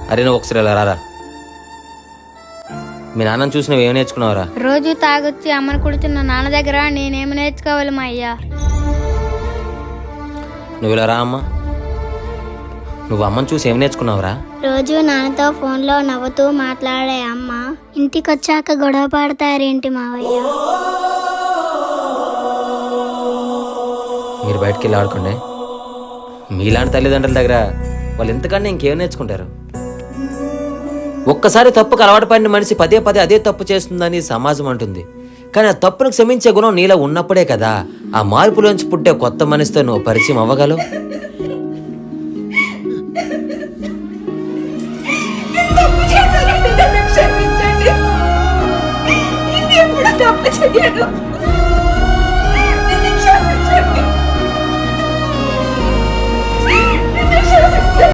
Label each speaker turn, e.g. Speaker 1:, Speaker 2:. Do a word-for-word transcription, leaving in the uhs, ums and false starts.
Speaker 1: అరే నువ్వు ఒకసారి ఇలా రారా. మీ నాన్నని చూసి నువ్వు ఏం నేర్చుకున్నావురా?
Speaker 2: రోజు తాగొచ్చి అమ్మను కుడుతున్న నాన్న దగ్గర నేనేమి నేర్చుకోవాలి మా అయ్యా?
Speaker 1: నువ్వు ఇలా రా అమ్మా. నువ్వు అమ్మని చూసి ఏం నేర్చుకున్నావురా?
Speaker 3: రోజు నాన్నతో ఫోన్లో నవ్వుతూ మాట్లాడే అమ్మ ఇంటికి వచ్చాక గొడవ పడతారేంటి మావయ్య?
Speaker 1: మీరు బయటకు వెళ్ళి ఆడుకోండి. మీలాంటి తల్లిదండ్రుల దగ్గర వాళ్ళు ఎంతకన్నా ఇంకేం నేర్చుకుంటారు? ఒక్కసారి తప్పుకు అలవాటు పడిన మనిషి పదే పదే అదే తప్పు చేస్తుందని సమాజం అంటుంది. కానీ ఆ తప్పును క్షమించే గుణం నీలో ఉన్నప్పుడే కదా ఆ మార్పులోంచి పుట్టే కొత్త మనిషితో నువ్వు పరిచయం అవ్వగలవు.
Speaker 4: తప్పు చేయను.